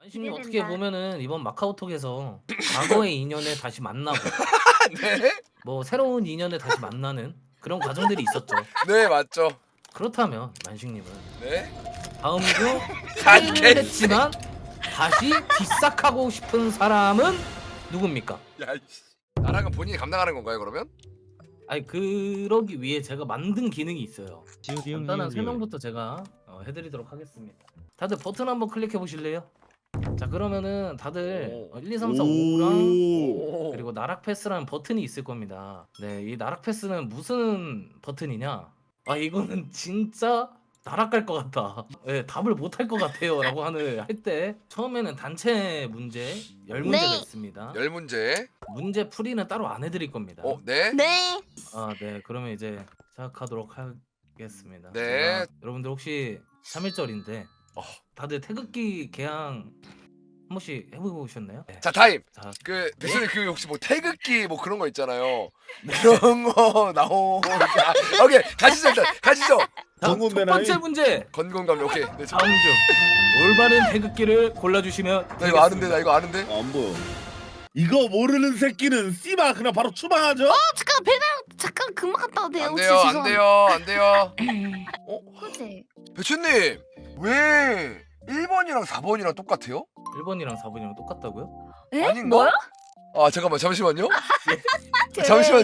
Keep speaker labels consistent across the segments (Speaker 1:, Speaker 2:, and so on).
Speaker 1: 한신님 어떻게
Speaker 2: 기대된다.
Speaker 1: 보면은 이번 마카오톡에서 과거의 인연을 다시 만나고
Speaker 3: 네?
Speaker 1: 뭐 새로운 인연을 다시 만나는 그런 과정들이 있었죠.
Speaker 3: 네 맞죠.
Speaker 1: 그렇다면 만식님은
Speaker 3: 네?
Speaker 1: 다음 주
Speaker 3: 아,
Speaker 1: 사인을 했지만 다시 뒷삭하고 싶은 사람은 누굽니까?
Speaker 3: 야 이씨. 나락은 본인이 감당하는 건가요 그러면?
Speaker 1: 아니 그러기 위해 제가 만든 기능이 있어요. 간단한
Speaker 4: 지우디응리응리
Speaker 1: 설명부터 제가 해드리도록 하겠습니다. 다들 버튼 한번 클릭해 보실래요? 자 그러면은 다들 1, 2, 3, 4, 5랑
Speaker 3: 오.
Speaker 1: 그리고 나락 패스라는 버튼이 있을 겁니다. 네, 이 나락 패스는 무슨 버튼이냐? 아 이거는 진짜 나락 갈 것 같다. 네, 답을 못 할 것 같아요라고 하는 할 때 처음에는 단체 문제 10문제가
Speaker 2: 네.
Speaker 1: 있습니다.
Speaker 3: 열 문제.
Speaker 1: 문제 풀이는 따로 안 해드릴 겁니다.
Speaker 3: 네?
Speaker 2: 네.
Speaker 1: 아, 네, 그러면 이제 시작하도록 하겠습니다.
Speaker 3: 네.
Speaker 1: 제가 여러분들 혹시 3일절인데
Speaker 3: 어.
Speaker 1: 다들 태극기 개항 한 번씩 해보셨나요? 네.
Speaker 3: 자 타임.
Speaker 1: 자,
Speaker 3: 그 배수님 그 혹시 뭐 태극기 뭐 그런 거 있잖아요. 그런 거 나오게. 오케이 가시죠 일단 가시죠.
Speaker 1: 다음 첫 번째 문제.
Speaker 3: 건강감 오케이. 네, 저,
Speaker 1: 다음 중 올바른 태극기를 골라주시면
Speaker 3: 나 이거 아는데 나 이거 아는데.
Speaker 4: 안 보여. 이거 모르는 새끼는 씨발 그냥 바로 추방하죠?
Speaker 2: 잠깐 배낭 잠깐 금방 갔다 와도 돼요.
Speaker 3: 안
Speaker 2: 혹시
Speaker 3: 돼요 안
Speaker 2: 죄송한데.
Speaker 3: 돼요 안 돼요.
Speaker 2: 그치?
Speaker 3: 배추님 왜 1번이랑 4번이랑 똑같아요?
Speaker 1: 1번이랑 4번이랑 똑같다고요?
Speaker 2: 에?
Speaker 3: 아닌가?
Speaker 2: 뭐야?
Speaker 3: 아 잠깐만 잠시만요. 잠시만요.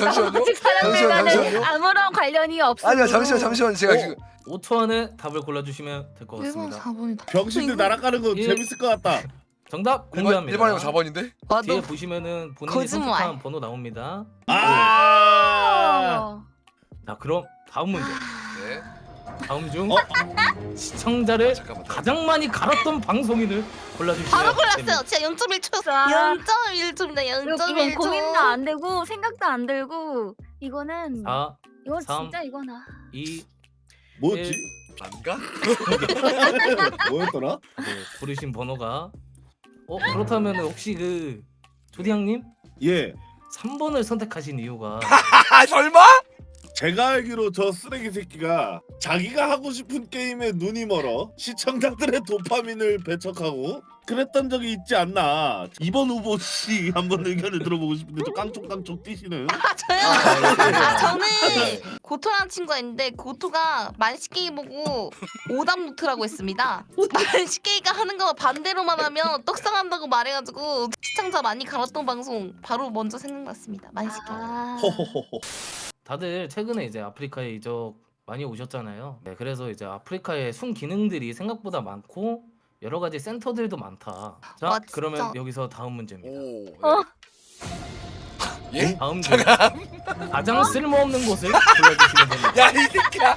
Speaker 3: 잠시만요.
Speaker 2: 아무런 관련이 없어.
Speaker 3: 아니요 잠시만 제가 지금
Speaker 1: 5초 안에 답을 골라주시면 될 것
Speaker 2: 1번
Speaker 1: 같습니다.
Speaker 2: 4번이다.
Speaker 4: 병신들 날아가는 거
Speaker 1: 예.
Speaker 4: 재밌을 것 같다.
Speaker 1: 정답
Speaker 3: 1번,
Speaker 1: 공개합니다.
Speaker 3: 1번이고 4번인데?
Speaker 1: 뒤에 보시면은 본인이
Speaker 2: 거짓말.
Speaker 1: 선택한 번호 나옵니다.
Speaker 4: 아.
Speaker 1: 자 그럼 다음 문제.
Speaker 3: 네.
Speaker 1: 다음 중
Speaker 4: 어?
Speaker 1: 시청자를
Speaker 3: 잠깐만.
Speaker 1: 가장 많이 갈았던 방송인을 골라주시면
Speaker 2: 바로 골랐어요.
Speaker 1: 됩니다.
Speaker 2: 진짜 0.1초.
Speaker 5: 아.
Speaker 2: 0.1초입니다.
Speaker 5: 이건
Speaker 2: 0.1초.
Speaker 5: 고민도 안 되고 생각도 안 들고 이거는
Speaker 1: 4,
Speaker 5: 이건
Speaker 1: 3.
Speaker 5: 진짜 이거나
Speaker 1: 2,
Speaker 4: 뭐였지?
Speaker 3: 안 가?
Speaker 4: 뭐였더라?
Speaker 1: 네, 고르신 번호가 그렇다면 혹시 그 조디양님
Speaker 4: 예.
Speaker 1: 3번을 선택하신 이유가
Speaker 3: 아 설마?
Speaker 4: 제가 알기로 저 쓰레기 새끼가 자기가 하고 싶은 게임에 눈이 멀어 시청자들의 도파민을 배척하고 그랬던 적이 있지 않나. 이번 후보 씨 한번 의견을 들어보고 싶은데 좀 깡총깡총 뛰시는.
Speaker 2: 저요. 저는
Speaker 1: 네.
Speaker 2: 고토라는 친구가 있는데 고토가 만식게이 보고 오답 노트라고 했습니다. 만식게이가 하는 거 반대로만 하면 떡상한다고 말해가지고 시청자 많이 갈았던 방송 바로 먼저 생각났습니다. 만식게이.
Speaker 4: 호호호호.
Speaker 1: 다들 최근에 이제 아프리카에 이적 많이 오셨잖아요. 네, 그래서 이제 아프리카의 순 기능들이 생각보다 많고 여러 가지 센터들도 많다. 자,
Speaker 2: 아, 진짜.
Speaker 1: 그러면 여기서 다음 문제입니다.
Speaker 3: 오. 네.
Speaker 5: 어.
Speaker 3: 예?
Speaker 1: 다음 중 가장 쓸모없는 곳을 골라주시면 됩니다.
Speaker 3: 야 이 새끼야.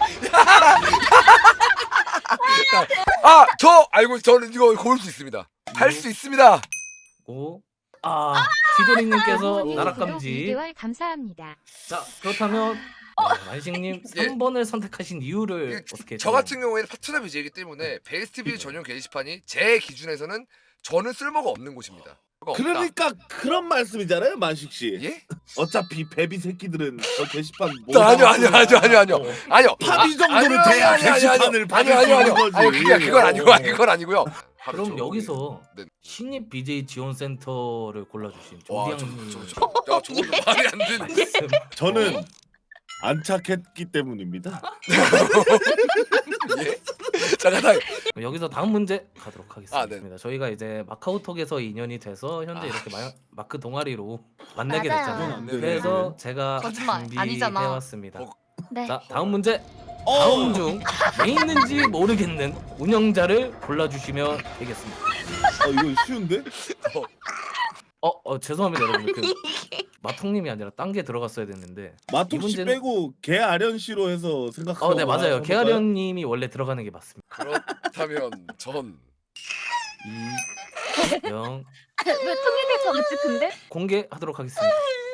Speaker 3: 아저 알고 저는 이거 고를 수 있습니다. 할 수 있습니다.
Speaker 1: 5, 지도리님께서 나락감지.
Speaker 6: 2개월 감사합니다.
Speaker 1: 자, 그렇다면 만식님
Speaker 3: 예.
Speaker 1: 3번을 선택하신 이유를 어떻게?
Speaker 3: 저 같은 경우에는 파트너 BJ이기 때문에 베이스트 비즈 전용 게시판이 제 기준에서는 저는 쓸모가 없는 곳입니다. 없다.
Speaker 4: 그러니까 그런 말씀이잖아요, 만식 씨.
Speaker 3: 예?
Speaker 4: 어차피 베비 새끼들은 저 게시판 못
Speaker 3: 아니요. 아니요.
Speaker 4: 파비 정도는 돼야 게시판을 받을 수 있는 거지.
Speaker 3: 아니 그건 아니고요. 바로
Speaker 1: 그럼
Speaker 3: 저-
Speaker 1: 여기서
Speaker 3: 네.
Speaker 1: 신입 BJ 지원 센터를 골라주신
Speaker 3: 와,
Speaker 1: 조디양님
Speaker 3: 저거 말이 안 되네.
Speaker 1: 말씀.
Speaker 4: 저는 안착했기 때문입니다.
Speaker 3: 예? 잠깐.
Speaker 1: 여기서 다음 문제 가도록 하겠습니다.
Speaker 3: 아, 네.
Speaker 1: 저희가 이제 마카오톡에서 인연이 돼서 현재 이렇게 마크 동아리로 만나게
Speaker 2: 맞아요.
Speaker 1: 됐잖아요.
Speaker 4: 네,
Speaker 1: 그래서 제가
Speaker 2: 거짓말, 아니잖아.
Speaker 1: 준비해왔습니다.
Speaker 3: 어.
Speaker 5: 네.
Speaker 1: 자, 다음 문제.
Speaker 4: 어!
Speaker 1: 다음 중 왜 있는지 모르겠는 운영자를 골라주시면 되겠습니다.
Speaker 4: 이거 쉬운데?
Speaker 1: 죄송합니다 여러분. 그 마통님이 아니라 딴 게 들어갔어야 됐는데.
Speaker 4: 마톡 씨
Speaker 1: 이 문제는-
Speaker 4: 빼고 개아련 씨로 해서 생각하고.
Speaker 1: 네 맞아요. 개아련님이 원래 들어가는 게 맞습니다.
Speaker 3: 그렇다면 전
Speaker 1: 2, 0
Speaker 5: 왜 통일될 것 같지 근데?
Speaker 1: 공개하도록 하겠습니다.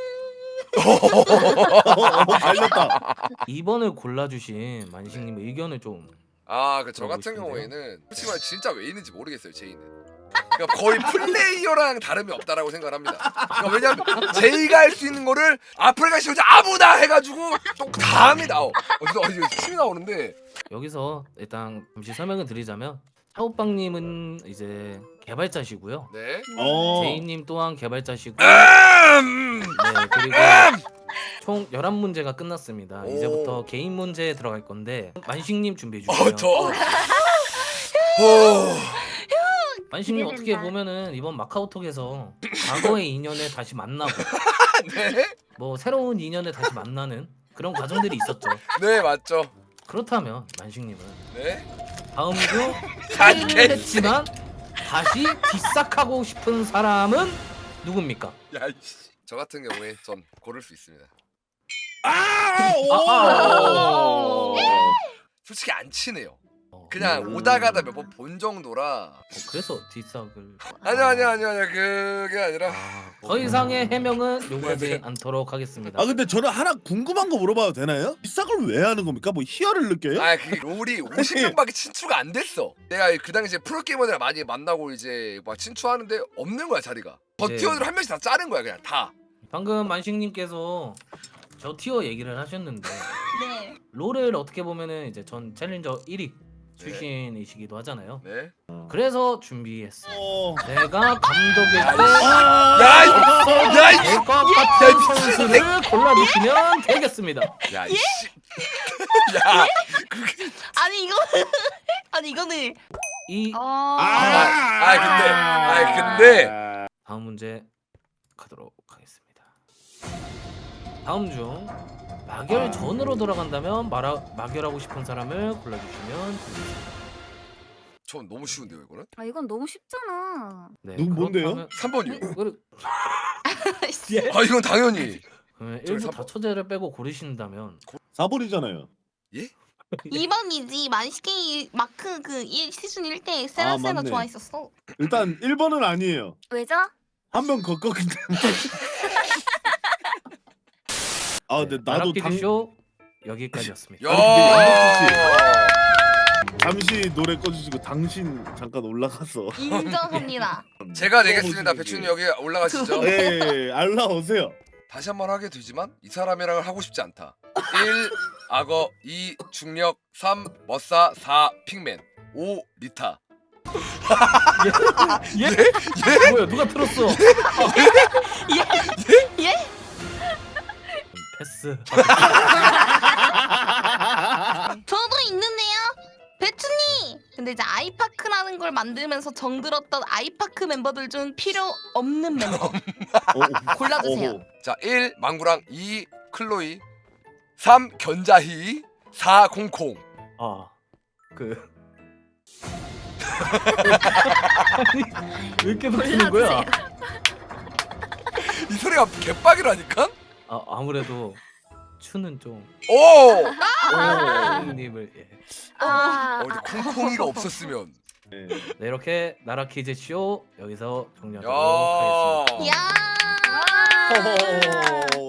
Speaker 4: 갈렸다.
Speaker 1: 2번을 골라주신 만식님 의견을 좀.
Speaker 3: 저 같은 경우에는 솔직히 말 진짜 왜 있는지 모르겠어요 제이는. 그러니까 거의 플레이어랑 다름이 없다라고 생각을 합니다. 그러니까 왜냐면 제이가 할 수 있는 거를 아프리카 시청자 아무나 해가지고 또 다음이 나오. 어디서 침이 나오는데.
Speaker 1: 여기서 일단 잠시 설명을 드리자면 차오빵님은 이제 개발자시고요.
Speaker 3: 네.
Speaker 1: 제이님 또한 개발자시고 네, 그리고 총 11문제가 끝났습니다.
Speaker 3: 오.
Speaker 1: 이제부터 개인 문제에 들어갈 건데 만식님 준비해 주시면 만식님 어떻게
Speaker 5: 기대된다.
Speaker 1: 보면은 이번 마카오톡에서 과거의 인연에 다시 만나고
Speaker 3: 네.
Speaker 1: 뭐 새로운 인연에 다시 만나는 그런 과정들이 있었죠.
Speaker 3: 네 맞죠.
Speaker 1: 그렇다면 만식님은
Speaker 3: 네.
Speaker 1: 다음 주
Speaker 3: 갓
Speaker 1: 했지만 다시 뒷삭하고 싶은 사람은 누굽니까?
Speaker 3: 야이씨. 저 같은 경우에 전 고를 수 있습니다. 솔직히 안 친해요. 그냥 오다 가다 몇 번 본 정도라.
Speaker 1: 그래서 뒷삭을
Speaker 3: 아니요 그게 아니라
Speaker 1: 더 이상의 해명은 요구하지 않도록 하겠습니다.
Speaker 4: 아 근데 저는 하나 궁금한 거 물어봐도 되나요? 이 싹을 왜 하는 겁니까? 뭐 희열을 느껴요?
Speaker 3: 그 롤이 50명밖에 친추가 안 됐어. 내가 그 당시에 프로게이머들 많이 만나고 이제 막 친추하는데 없는 거야 자리가. 버티어들 한 명씩 다 자른 거야 그냥 다.
Speaker 1: 방금 만식님께서 저 티어 얘기를 하셨는데
Speaker 2: 네.
Speaker 1: 롤을 어떻게 보면은 이제 전 챌린저 1위 출신이시기도 하잖아요.
Speaker 3: 네.
Speaker 1: 그래서 준비했어요.
Speaker 4: 어.
Speaker 1: 내가 감독일 때
Speaker 3: 야이
Speaker 1: 될 것 같은 선수를 골라주시면 되겠습니다.
Speaker 3: 야 이씨. 야.
Speaker 2: 아니 이거 아니 이거는
Speaker 1: 이
Speaker 3: 근데
Speaker 1: 다음 문제 가도록 하겠습니다. 다음 중 마결 전으로 돌아간다면 마결하고 싶은 사람을 골라주시면 됩니다.
Speaker 3: 전 너무 쉬운데요 이거는?
Speaker 5: 아 이건 너무 쉽잖아.
Speaker 1: 네,
Speaker 4: 누구 뭔데요?
Speaker 1: 그렇다면-
Speaker 3: 3번이요.
Speaker 1: 예?
Speaker 3: 아 이건 당연히.
Speaker 1: 그러면
Speaker 3: 저기
Speaker 1: 일부
Speaker 3: 3번.
Speaker 1: 다처제를 빼고 고르신다면
Speaker 4: 4번이잖아요.
Speaker 2: 2번이지 만식이 마크 시즌 1때 세라세가
Speaker 4: 맞네.
Speaker 2: 좋아했었어.
Speaker 4: 일단 1번은 아니에요.
Speaker 5: 왜죠?
Speaker 4: 한 명 걷거기 때문에. 아 근데 나도
Speaker 1: 나락퀴즈쇼 여기까지였습니다.
Speaker 3: 야.
Speaker 4: 잠시 노래 꺼주시고 당신 잠깐 올라가서.
Speaker 2: 인정합니다.
Speaker 3: 제가 내겠습니다. 배추님 여기 올라가시죠.
Speaker 4: 예, 알라오세요.
Speaker 3: 다시 한 번 하게 되지만 이 사람이랑은 하고 싶지 않다. 1. 악어 2. 중력 3. 머싸 4. 핑맨 5. 리타.
Speaker 1: 예? 뭐야 누가 틀었어?
Speaker 2: 예?
Speaker 1: 패스.
Speaker 2: 저도 있는데요. 배추님. 근데 이제 아이파크라는 걸 만들면서 정들었던 아이파크 멤버들 중 필요 없는 멤버 골라주세요.
Speaker 3: 자, 1. 망구랑 2. 클로이 3. 견자희 4. 콩콩.
Speaker 1: 그 아니, 왜 이렇게 놓치는 거야?
Speaker 3: 이 소리가 개빡이라니까?
Speaker 1: 아무래도 추는 좀
Speaker 3: 오!
Speaker 1: 님을 예.
Speaker 3: 콩콩이가 없었으면.
Speaker 4: 네.
Speaker 1: 네, 이렇게 나라 퀴즈 쇼 여기서 종료하도록
Speaker 3: 야.
Speaker 1: 하겠습니다.
Speaker 2: 이야.
Speaker 4: 허허.